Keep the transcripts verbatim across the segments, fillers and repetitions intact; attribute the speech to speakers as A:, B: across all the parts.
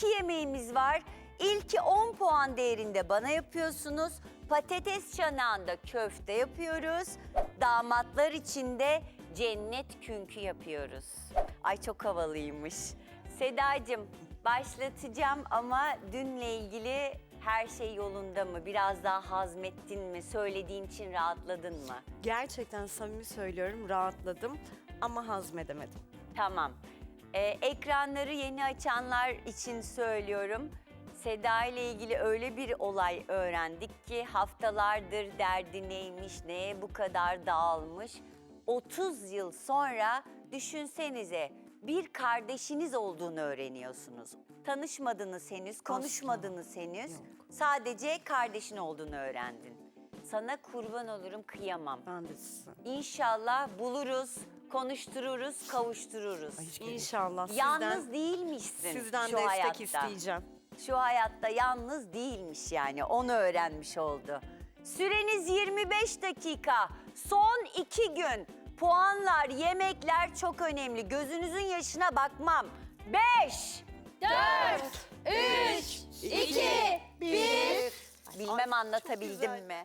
A: iki yemeğimiz var. İlki on puan değerinde bana yapıyorsunuz. Patates çanağında köfte yapıyoruz. Damatlar için de cennet künkü yapıyoruz. Ay çok havalıymış. Sedacığım başlatacağım ama dünle ilgili her şey yolunda mı? Biraz daha hazmettin mi? Söylediğin için rahatladın mı?
B: Gerçekten samimi söylüyorum, rahatladım ama hazmedemedim.
A: Tamam. Ee, ekranları yeni açanlar için söylüyorum. Seda ile ilgili öyle bir olay öğrendik ki haftalardır derdi neymiş, neye bu kadar dağılmış. otuz yıl sonra düşünsenize bir kardeşiniz olduğunu öğreniyorsunuz. Tanışmadınız henüz, konuşmadınız henüz.
B: Yok.
A: Sadece kardeşin olduğunu öğrendin. Sana kurban olurum, kıyamam.
B: Ben de sizin.
A: İnşallah buluruz, konuştururuz, kavuştururuz.
B: Ay, hiç gerek yok. İnşallah
A: Yalnız
B: sizden,
A: değilmişsin
B: sizden
A: şu
B: destek
A: hayatta.
B: isteyeceğim.
A: Şu hayatta yalnız değilmiş yani, onu öğrenmiş oldu. Süreniz yirmi beş dakika, son iki gün. Puanlar, yemekler çok önemli. Gözünüzün yaşına bakmam. Beş,
C: Dört, üç, iki, bir.
A: bilmem anlatabildim mi?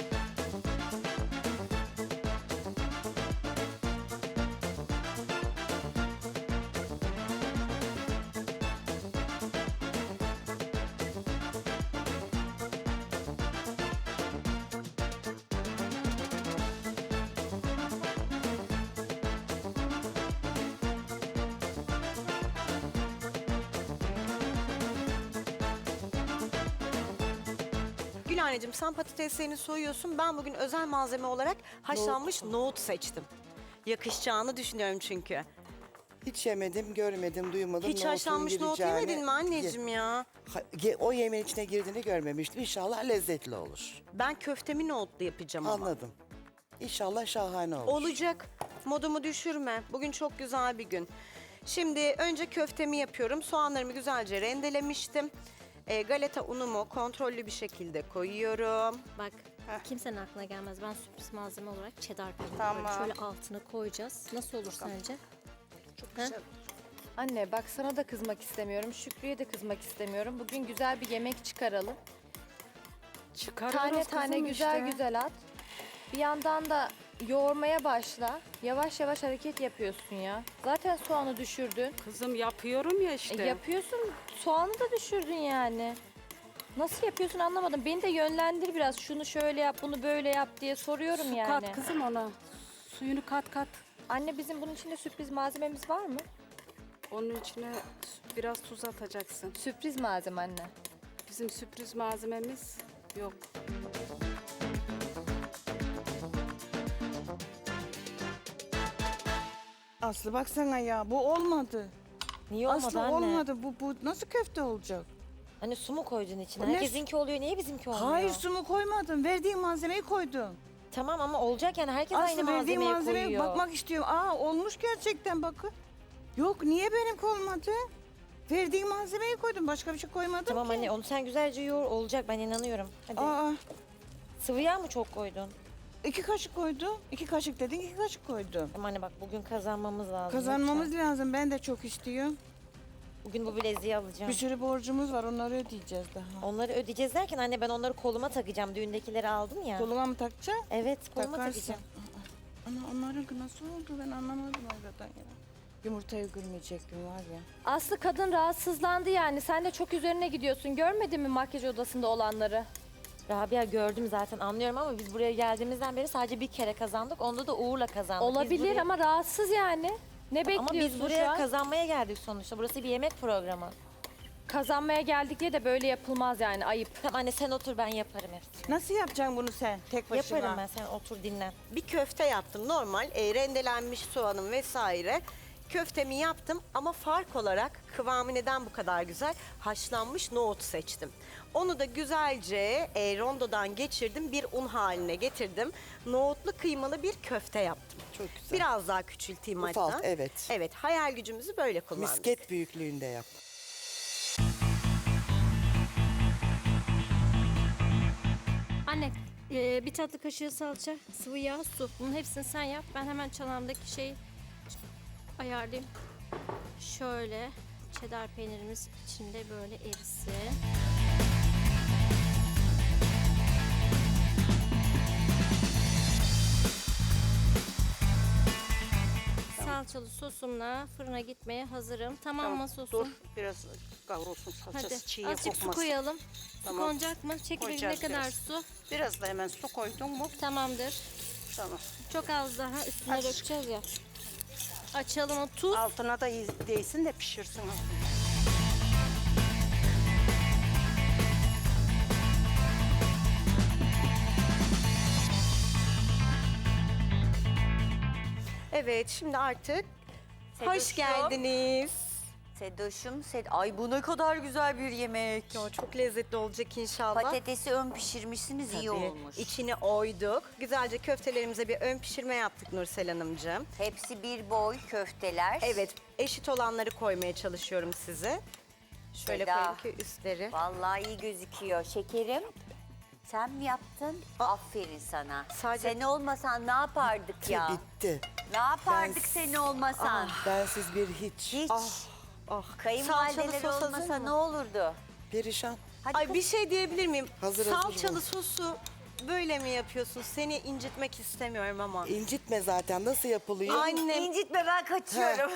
B: Gülhaneciğim sen patateslerini soyuyorsun. Ben bugün özel malzeme olarak haşlanmış nohut seçtim. Yakışacağını düşünüyorum çünkü.
D: Hiç yemedim, görmedim, duymadım.
B: Hiç
D: Nohutun
B: haşlanmış nohut
D: gireceğini-
B: yemedin mi anneciğim ya?
D: Ha- ge- O yemeğin içine girdiğini görmemiştim. İnşallah lezzetli olur.
B: Ben köftemi nohutlu yapacağım ama.
D: Anladım. İnşallah şahane olur.
B: Olacak. Modumu düşürme. Bugün çok güzel bir gün. Şimdi önce köftemi yapıyorum. Soğanlarımı güzelce rendelemiştim. E, galeta unumu kontrollü bir şekilde koyuyorum.
C: Bak kimsenin aklına gelmez. Ben sürpriz malzeme olarak cheddar peyniri
B: Tamam.
C: böyle şöyle altına koyacağız. Nasıl olur sence?
B: Çok
C: Ha?
B: güzel.
E: Anne bak sana da kızmak istemiyorum, Şükrü'ye de kızmak istemiyorum. Bugün güzel bir yemek çıkaralım.
F: Çıkarırız
E: Tane tane
F: kızım
E: güzel
F: işte.
E: güzel at. Bir yandan da yoğurmaya başla. Yavaş yavaş hareket yapıyorsun ya. Zaten soğanı düşürdün.
F: Kızım yapıyorum ya işte.
E: E, yapıyorsun, soğanı da düşürdün yani. Nasıl yapıyorsun anlamadım. Beni de yönlendir biraz. Şunu şöyle yap, bunu böyle yap diye soruyorum
F: Su
E: yani.
F: kat kızım ona. Suyunu kat kat.
E: Anne bizim bunun içinde sürpriz malzememiz var mı?
F: Onun içine biraz tuz atacaksın.
E: Sürpriz malzeme anne.
F: Bizim sürpriz malzememiz yok.
G: Aslı baksana ya bu olmadı.
H: Niye olmadı
G: Aslı
H: anne?
G: olmadı. Bu bu nasıl köfte olacak?
H: Hani su mu koydun içine?
G: O ne
H: Herkesinki oluyor. Niye bizimki olmuyor?
G: Hayır su mu koymadım. Verdiğin malzemeyi koydum.
H: Tamam ama olacak yani. Herkes aynı
G: Aslı verdiğin
H: malzemeyi
G: malzemeye
H: koyuyor.
G: bakmak istiyorum. Aa olmuş gerçekten bakın. Yok niye benimki olmadı? Verdiğin malzemeyi koydum. Başka bir şey koymadım
H: Tamam
G: ki.
H: anne onu sen güzelce yoğur. Olacak ben inanıyorum. Hadi.
G: Aa
H: Sıvı yağ mı çok koydun?
G: iki kaşık koydum. İki kaşık dedin iki kaşık koydum.
H: Ama anne bak bugün kazanmamız lazım.
G: Kazanmamız
H: lütfen.
G: lazım. Ben de çok istiyorum.
H: Bugün bu bileziği alacağım.
G: Bir sürü borcumuz var. Onları ödeyeceğiz daha.
H: Onları ödeyeceğiz derken anne ben onları koluma takacağım. Düğündekileri aldın ya.
G: Koluma mı takacaksın?
H: Evet koluma
G: Takarsın.
H: takacağım.
G: Ana onların nasıl oldu ben anlamadım hakikaten ya. Yumurtayı kırmayacak gün var ya.
E: Aslı kadın rahatsızlandı yani. Sen de çok üzerine gidiyorsun. Görmedin mi makyaj odasında olanları?
H: Rabia gördüm zaten anlıyorum ama biz buraya geldiğimizden beri sadece bir kere kazandık. Onda da Uğur'la kazandık. Biz
E: Olabilir
H: buraya-
E: ama rahatsız yani. Ne bekliyorsun
H: Ama biz
E: şu
H: buraya
E: an?
H: kazanmaya geldik sonuçta. Burası bir yemek programı.
E: Kazanmaya geldik diye de böyle yapılmaz yani ayıp.
H: Tamam anne sen otur ben yaparım hepsini.
G: Nasıl yapacaksın bunu sen tek başına?
H: Yaparım ben sen otur dinlen.
B: Bir köfte yaptım normal. E, rendelenmiş soğanım vesaire. Köftemi yaptım ama fark olarak kıvamı neden bu kadar güzel? Haşlanmış nohut seçtim. Onu da güzelce e, rondodan geçirdim, bir un haline getirdim. Nohutlu kıymalı bir köfte yaptım.
D: Çok güzel.
B: Biraz daha küçülteyim
D: Ufalt,
B: hatta.
D: evet.
B: Evet, hayal gücümüzü böyle kullandık.
D: Misket büyüklüğünde yap.
C: Anne e, bir tatlı kaşığı salça, sıvı yağ, su. Bunun hepsini sen yap. Ben hemen çanağımdaki şeyi ayarlayayım. Şöyle Cheddar peynirimiz içinde böyle erisin. Salçalı sosumla fırına gitmeye hazırım. Tamam mı sosum?
I: Dur biraz kavrulsun salçası
C: Hadi
I: çiğ
C: azıcık su
I: kokmasın.
C: koyalım.
I: Tamam.
C: Su konacak mı? Çekirdek ne
I: Koyacağız
C: kadar
I: biraz.
C: su?
I: Biraz da hemen su koydun mu?
C: Tamamdır.
I: Tamam.
C: Çok az daha üstüne
I: Aç.
C: dökeceğiz ya. Açalım o tuz.
I: Altına da iyi değsin de pişirsin.
B: Evet, şimdi artık hoş
A: Sedoş'um.
B: geldiniz.
A: Sedoş'um, Sed ay bu ne kadar güzel bir yemek.
B: Ya, çok lezzetli olacak inşallah.
A: Patatesi ön pişirmişsiniz, iyi
B: Tabii.
A: olmuş.
B: İçine oyduk. Güzelce köftelerimize bir ön pişirme yaptık Nursel Hanımcığım.
A: Hepsi bir boy köfteler.
B: Evet, eşit olanları koymaya çalışıyorum size. Şöyle
A: Seda.
B: koyayım ki üstleri.
A: Vallahi iyi gözüküyor. Şekerim, sen mi yaptın? Aferin sana.
B: Sadece-
A: Sen olmasan ne yapardık ya?
D: Bitti.
A: Ne yapardık
D: Ben-
A: sen olmasan?
D: Bensiz bir hiç.
A: Hiç.
B: Ah, Salçalı
A: Kayınvalideleri
B: sos hazır
A: olmasa
B: mı?
A: ne olurdu?
D: Perişan.
A: Hadi
B: Ay
A: kız-
B: bir şey diyebilir miyim?
D: Hazır, hazır
B: Salçalı
D: bu.
B: sosu böyle mi yapıyorsun? Seni incitmek istemiyorum ama.
D: İncitme zaten. Nasıl yapılıyor?
B: Annem
A: İncitme, ben kaçıyorum.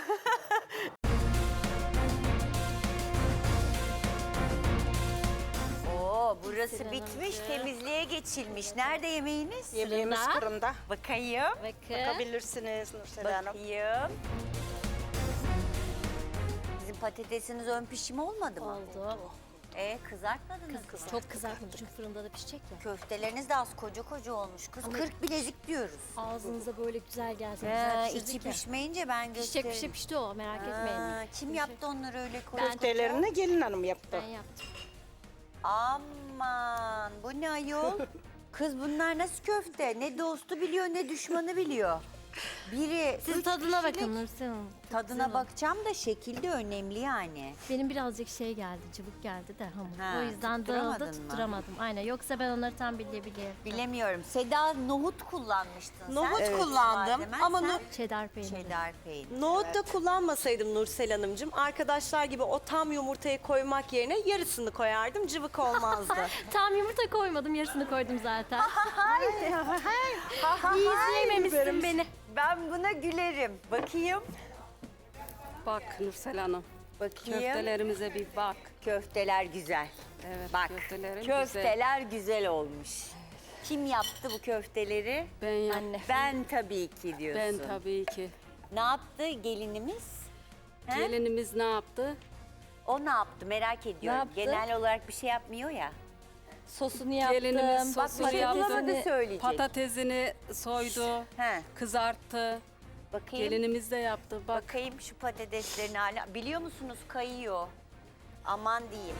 A: Oo, burası
C: Sinan
A: bitmiş,
C: Hanımcığım.
A: temizliğe geçilmiş. Nerede yemeğiniz?
I: Yemeğimiz
C: Fırında.
I: fırında.
A: Bakayım.
C: Bakın.
I: Bakabilirsiniz Nursel Hanım.
A: Bakayım. Bizim patatesiniz ön pişimi olmadı mı?
C: Oldu.
A: Ee, kızartmadınız mı?
C: Çok kızartmadı çünkü fırında da pişecek ya.
A: Köfteleriniz de az koca koca olmuş kız. kırk bilezik diyoruz.
C: Ağzınıza böyle güzel gelsin.
A: Ee,
C: Güzel
A: içi
C: pişirdik ya.
A: pişmeyince ben
C: Pişecek
A: gösteririm.
C: pişecek pişti o merak etmeyin.
A: Aa, kim yaptı onları öyle koca koca?
I: Köftelerini gelin hanım yaptı.
C: Ben yaptım.
A: Aman, bu ne ayol? Kız bunlar nasıl köfte? Ne dostu biliyor ne düşmanı biliyor. Biri
C: Siz
A: üç
C: tadına
A: kişilik-
C: bakın Nursel Hanım.
A: Tadına bakacağım da şekil de önemli yani.
C: Benim birazcık şey geldi, cıvık geldi de hamur.
A: Ha,
C: o yüzden
A: tutturamadın
C: dağıldı,
A: mı?
C: tutturamadım. Aynen. Yoksa ben onları tam bilebilirim.
A: Bilemiyorum. Seda nohut kullanmıştın sen.
B: Nohut kullandım
A: Malzemen
B: ama
A: sen
B: no-
C: Cheddar peyniri.
A: cheddar peynir.
B: nohut da kullanmasaydım Nursel Hanımcığım, arkadaşlar gibi o tam yumurtayı koymak yerine yarısını koyardım, cıvık olmazdı.
C: Tam yumurta koymadım, yarısını koydum zaten. İyi izleyememişsin beni.
A: Ben buna gülerim. Bakayım.
F: Bak Nursel Hanım.
A: Bakayım.
F: Köftelerimize bir bak.
A: Köfteler güzel.
F: Evet,
A: Bak,
F: köftelerim güzel.
A: köfteler güzel. olmuş. Kim yaptı bu köfteleri?
F: Ben yaptım.
A: Ben tabii ki diyorsun.
F: Ben tabii ki.
A: Ne yaptı gelinimiz? He?
F: Gelinimiz ne yaptı?
A: O ne yaptı merak ediyorum.
E: yaptı?
A: Genel olarak bir şey yapmıyor ya.
E: Sosunu yaptım.
F: Gelinimiz
A: Bak
F: sosunu
A: bir şey
F: yaptı.
A: bulamadı söyleyecek.
F: Patatesini soydu,
A: He,
F: kızarttı.
A: bakayım.
F: Gelinimiz de yaptı. Bak
A: Bakayım şu patateslerin hala. Biliyor musunuz kayıyor. Aman diyeyim.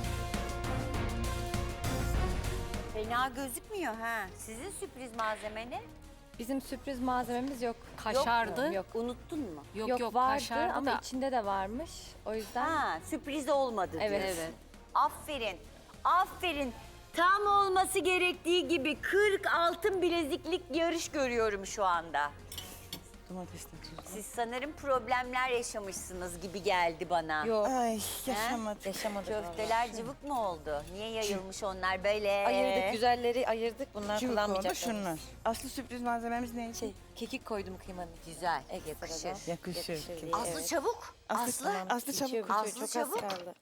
A: Fena gözükmüyor ha. Sizin sürpriz malzeme ne?
E: Bizim sürpriz malzememiz yok.
F: kaşardı.
E: Yok.
A: Unuttun mu?
F: Yok
E: Yok,
F: yok,
E: vardı
F: kaşardı
E: ama
F: da.
E: içinde de varmış. O yüzden
A: Ha, sürpriz olmadı
E: Evet.
A: diyorsun.
E: Evet.
A: Aferin. Aferin. Tam olması gerektiği gibi kırk altın bileziklik yarış görüyorum şu anda.
D: Domatesle tuz.
A: Siz sanırım problemler yaşamışsınız gibi geldi bana.
E: yok.
D: Ay yaşamadım.
E: Yaşamadık
A: Köfteler cıvık mı oldu? Niye yayılmış onlar böyle?
E: Ayırdık, güzelleri ayırdık. Bunlar
G: Cıvık oldu
E: kullanmayacaklar.
G: şunlar. Aslı sürpriz malzememiz neydi?
E: Şey, kekik koydum kıymanın.
A: Güzel.
E: Ege
A: Yakışır.
E: sırada.
G: Yakışır.
E: Yakışır.
A: Aslı
E: Evet.
A: çabuk. Aslı.
G: Aslı, Aslı çabuk.
E: Bitiyor,
A: Aslı
E: bitiyor. Çok
A: çabuk.
E: az kaldı.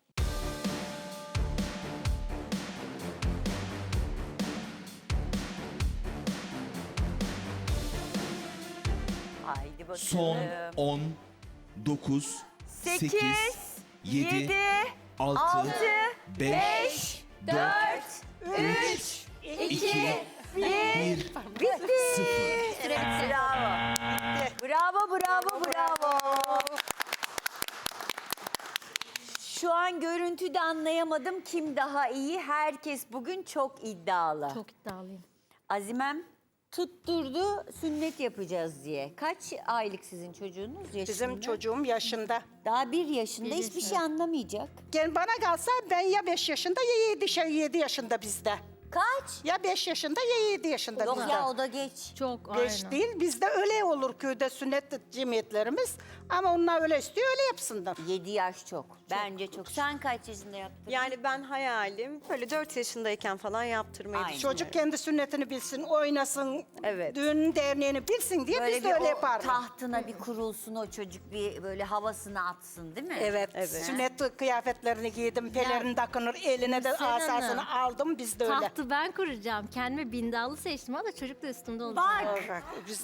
A: Haydi bakalım.
J: Son on, dokuz,
A: Sekiz,
J: sekiz, yedi,
A: yedi,
J: altı,
A: altı,
J: beş, dört,
A: üç,
J: iki, bir,
A: bitti.
J: sıfır.
A: Bravo. Bravo, bravo, bravo. Şu an görüntüde anlayamadım kim daha iyi. Herkes bugün çok iddialı.
C: Çok iddialıyım.
A: Azimem tutturdu sünnet yapacağız diye. Kaç aylık sizin çocuğunuz yaşında?
I: Bizim çocuğum yaşında.
A: Daha bir yaşında
C: Bir
A: hiçbir
C: yaşında.
A: şey anlamayacak.
I: Gel bana kalsa ben ya beş yaşında ya yedi, şey, yedi yaşında bizde.
A: Kaç?
I: Ya beş yaşında ya yedi yaşında
A: Yok
I: bizde.
A: ya o da geç.
C: Çok
I: Geç
C: aynen.
I: değil bizde öyle olur köyde sünnet cemiyetlerimiz. Ama onlar öyle istiyor, öyle yapsınlar.
A: yedi yaş çok. Bence çok. Sen kaç yaşında yaptın?
B: Yani ben hayalim böyle dört yaşındayken falan yaptırmayı
A: Aynen.
B: düşünüyorum.
I: Çocuk kendi sünnetini bilsin, oynasın,
B: Evet.
I: düğün derneğini bilsin diye
A: Böyle
I: biz
A: bir
I: de öyle
A: o
I: yapardık.
A: tahtına bir kurulsun o çocuk, bir böyle havasını atsın değil mi?
I: Evet,
B: Evet.
I: sünnet kıyafetlerini giydim, pelerin takınır, eline de
C: Nursel
I: asasını
C: Hanım.
I: aldım, biz de öyle.
C: Tahtı ben kuracağım. Kendime bindallı seçtim ama çocuk da üstümde olacak.
A: Bak.
I: Bak, biz